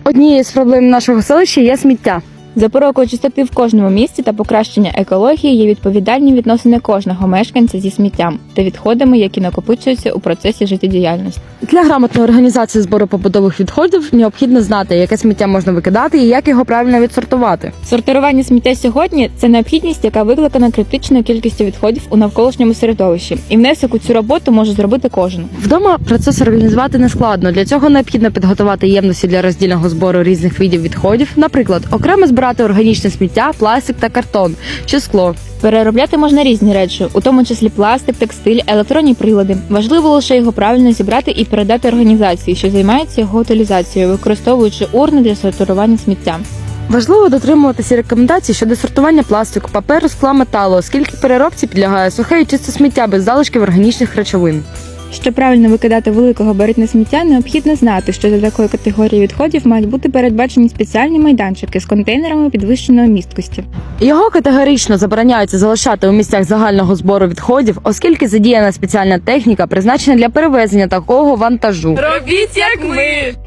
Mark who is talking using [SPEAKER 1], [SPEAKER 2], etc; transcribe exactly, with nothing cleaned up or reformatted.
[SPEAKER 1] Однією з проблем нашого селища є сміття.
[SPEAKER 2] Запорукою чистоти в кожному місті та покращення екології є відповідальні відносини кожного мешканця зі сміттям та відходами, які накопичуються у процесі життєдіяльності.
[SPEAKER 1] Для грамотної організації збору побутових відходів необхідно знати, яке сміття можна викидати і як його правильно відсортувати.
[SPEAKER 2] Сортування сміття сьогодні – це необхідність, яка викликана критичною кількістю відходів у навколишньому середовищі. І внесок у цю роботу може зробити кожен.
[SPEAKER 1] Вдома процес організувати нескладно. Для цього необхідно підготувати ємності для роздільного збору різних видів відходів, наприклад, окремо збирати органічне сміття, пластик та картон чи скло.
[SPEAKER 2] Переробляти можна різні речі, у тому числі пластик, текстиль, електронні прилади. Важливо лише його правильно зібрати і передати організації, що займається його утилізацією, використовуючи урни для сортування сміття.
[SPEAKER 1] Важливо дотримуватися рекомендацій щодо сортування пластику, паперу, скла, металу, оскільки переробці підлягає сухе і чисте сміття без залишків органічних речовин.
[SPEAKER 2] Щоб правильно викидати великогабаритне сміття, необхідно знати, що для такої категорії відходів мають бути передбачені спеціальні майданчики з контейнерами підвищеної місткості.
[SPEAKER 1] Його категорично забороняється залишати у місцях загального збору відходів, оскільки задіяна спеціальна техніка, призначена для перевезення такого вантажу.
[SPEAKER 3] Робіть як ми!